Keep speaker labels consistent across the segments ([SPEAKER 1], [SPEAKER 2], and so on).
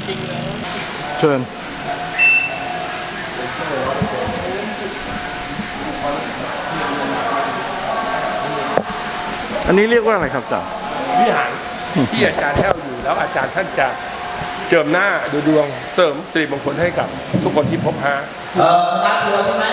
[SPEAKER 1] ริงๆเลย
[SPEAKER 2] เชิญอันนี้เรียกว่าอะไรครับจ๊ะ
[SPEAKER 1] วิหารที่อาจารย์แห้วอยู่แล้วอาจารย์ท่านจะเจิมหน้าดูดวงเสริมสิริมงคลให้กับทุกคนที่พบหา
[SPEAKER 3] รักตัวใช่ไหม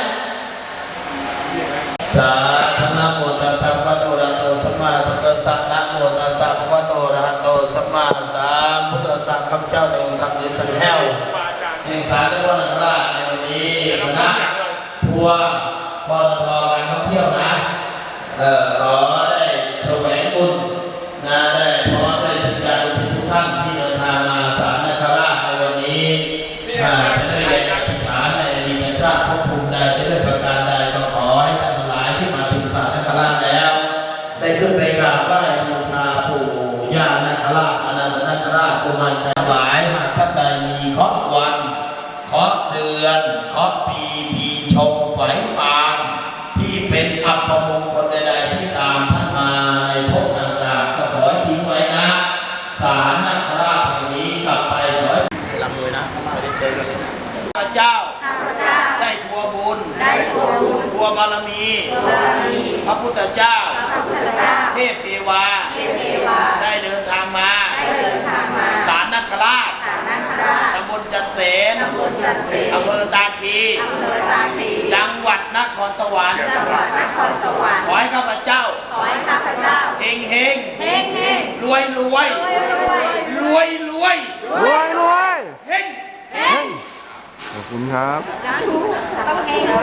[SPEAKER 3] สาธุนะโมตัสสะภะคะวะโตสัมมาสัมพุทธัสสะนะโมตัสสะภะคะวะโตอะระหะโตสัมมาสัมพุทธัสสะข้าพเจ้าในองค์สัมฤทธิ์แห้วแห่งศาลเจ้าพ่อนาคราชในวันนี้คณะทัวร์ปตท.การท่องเที่ยวนะขอได้แสวงบุญนะได้พร้อมด้วยศิษยานุศิษย์ทุกท่านที่เดินทางมาศาลนาคราชในวันนี้จะได้แรงอธิษฐานในอดีตชาติภพภูมิใดจะด้วยประการใดก็ขอให้ท่านทั้งหลายที่มาถึงศาลนาคราชแล้วได้ขึ้นไปกราบไหว้บูชาปู่ย่านาคราชอนันตนาคราชกุมารทั้งหลายหากท่านใดมีเคราะห์วันเคราะห์เดือนเคราะห์ปีชงไฝปานที่เป็นอัปมงคลใดๆที่ตามท่านมาในภพต่างๆก็ขอให้ทิ้งไว้นะศาลนาคราชแห่งนี้กลับไปขอให้ร่ำรวยนะไม่ได้เจอกันเลยข้าพเจ้าได้ทัวบุญทัวบารมีพระพุทธเจ้าเทพเทวาได้เดินทางมาศาลนาคราชตำบลจันเสนอำเภอตาคีจังหวัดนครสวรรค์ขอให้ข้าพเจ้าเฮงเฮงรวยเฮง
[SPEAKER 2] ขอบคุณครับ
[SPEAKER 3] ต้องเฮง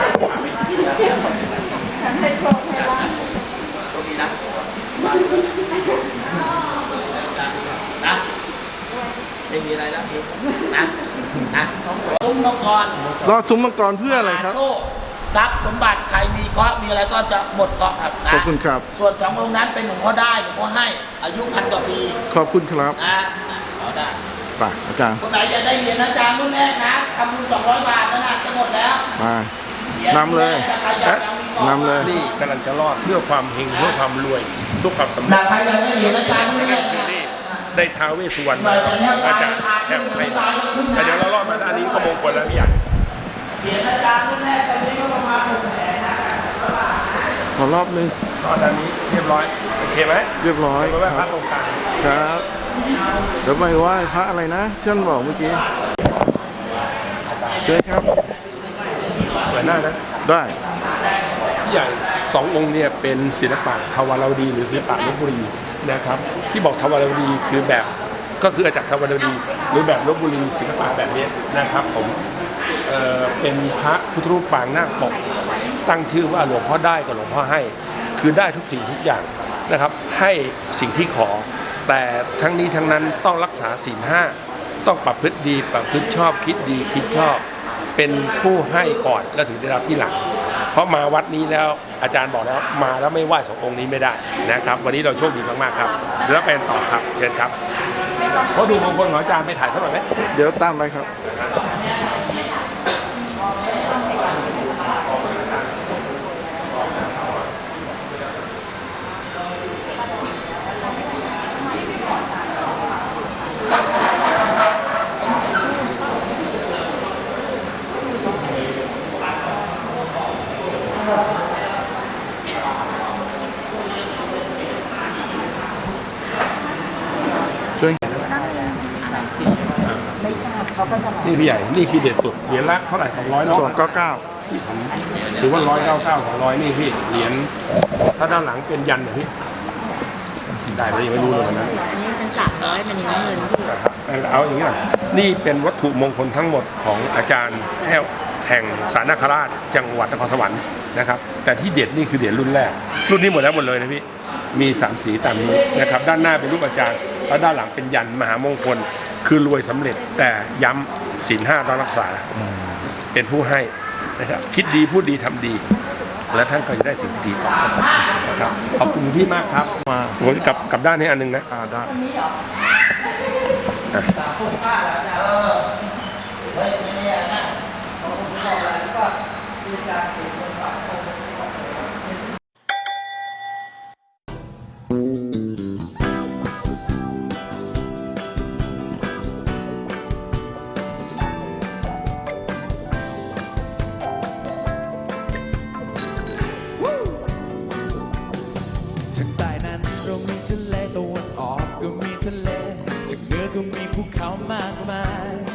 [SPEAKER 3] ฉันให้โชคให้ลาภตรงนี้นะไม่มีอะไรแล้วนะซุ้มมังกร
[SPEAKER 2] รอซุ้มมังกรเพื่ออะไรครับ
[SPEAKER 3] โชคทรัพย์สมบัติใครมีเคราะห์มีอะไรก็จะหมดเคราะห์ครับ
[SPEAKER 2] ขอบคุณครับ
[SPEAKER 3] ส่วน2องค์นั้นเป็นหลวงพ่อได้หลวงพ่อให้อายุ1,000 กว่าปี
[SPEAKER 2] ขอบคุณครับ
[SPEAKER 3] ขอได้
[SPEAKER 2] ป่ะอาจารย์
[SPEAKER 3] คนไหนอยากได้เหรียญอาจารย์รุ่นแรกนะทำบุญ200 บาทนั่นนะจะหมดแล้ว
[SPEAKER 2] มานำเลย
[SPEAKER 1] นี่กำลังจะรอดเพื่อความเฮงเพื่อความรวยทุกความสำเร็จ
[SPEAKER 3] ใครอยากได้เหรียญอาจารย์รุ่นแรก
[SPEAKER 1] ได้ท้าวเวสสุวรรณอาจารย์แทบไม่แต่เดี๋ยวเรารอดมาด้านนี้ก็มงคลแล้วพี่ใหญ่
[SPEAKER 3] เหรียญอาจารย์รุ่นแรกตอนนี้ก็ประมาณ600,000นะ
[SPEAKER 2] ขอรอบนึง
[SPEAKER 1] รอบด้านนี้เรียบร้อยโอเคไหม
[SPEAKER 2] เรียบร้อย
[SPEAKER 1] ไปไหว้พระตรงกลาง
[SPEAKER 2] ครับเดี๋ยวไปไหว้พระอะไรนะท่านบอกเมื่อกี้เชิญครับ
[SPEAKER 1] เปิดหน้านะ
[SPEAKER 2] ได้
[SPEAKER 1] พี่ใหญ่2 องค์เนี่ยเป็นศิลปะทวารวดีหรือศิลปะลพบุรีนะครับที่บอกทวารวดีคือแบบก็คืออาจากทวารวดีหรือแบบลพบุรีศิลปะแบบนี้นะครับผมเป็นพระพุทธรูปปางนาคปกตั้งชื่อว่าหลวงพ่อได้กับหลวงพ่อให้คือได้ทุกสิ่งทุกอย่างนะครับให้สิ่งที่ขอแต่ทั้งนี้ทั้งนั้นต้องรักษาศีล 5ต้องประพฤติดีประพฤติชอบคิดดีคิดชอบเป็นผู้ให้ก่อนแล้วถึงได้รับที่หลังเพราะมาวัดนี้แล้วอาจารย์บอกแล้วมาแล้วไม่ไหว้2 องค์นี้ไม่ได้นะครับวันนี้เราโชคดีมากๆครับแล้วไปต่อครับเชิญครับเพราะดูมงคลของอาจารย์ไปถ่ายเท่าไหร่ไหม
[SPEAKER 2] เดี๋ยวตามไปครับ
[SPEAKER 1] นี่พี่ใหญ่นี่คือเด็ดสุดเหรียญละเท่าไหร่200เนาะ
[SPEAKER 2] 299
[SPEAKER 1] ที่ผมถือว่า199 200นี่พี่เหรียญถ้าด้านหลังเป็นยันเนี่ยพี่ได้ไหมยังไม่รู้เลยนะ
[SPEAKER 4] อันนี้เป็น300มันยังไม่เงินพี่
[SPEAKER 1] เอาอย่างนี้หน่อยนี่เป็นวัตถุมงคลทั้งหมดของอาจารย์แห้วแห่งศาลนาคราชจังหวัดนครสวรรค์นะครับแต่ที่เด็ดนี่คือเหรียญรุ่นแรกรุ่นนี้หมดเลยนะพี่มี3 สีตามนี้นะครับด้านหน้าเป็นรูปอาจารย์แล้วด้านหลังเป็นยันมหามงคลคือรวยสำเร็จแต่ย้ำศีล 5ต้องรักษาเป็นผู้ให้นะครับคิดดีพูดดีทำดีและท่านก็จะได้สิ่งดีต่อไปนะครับขอบคุณพี่มากครับมาผมจะกลับด้านนี้อันนึงนะ
[SPEAKER 2] ได้
[SPEAKER 5] เรามีทะเลตะวันออกก็มีทะเลจากเหนือก็มีภูเขามากมาย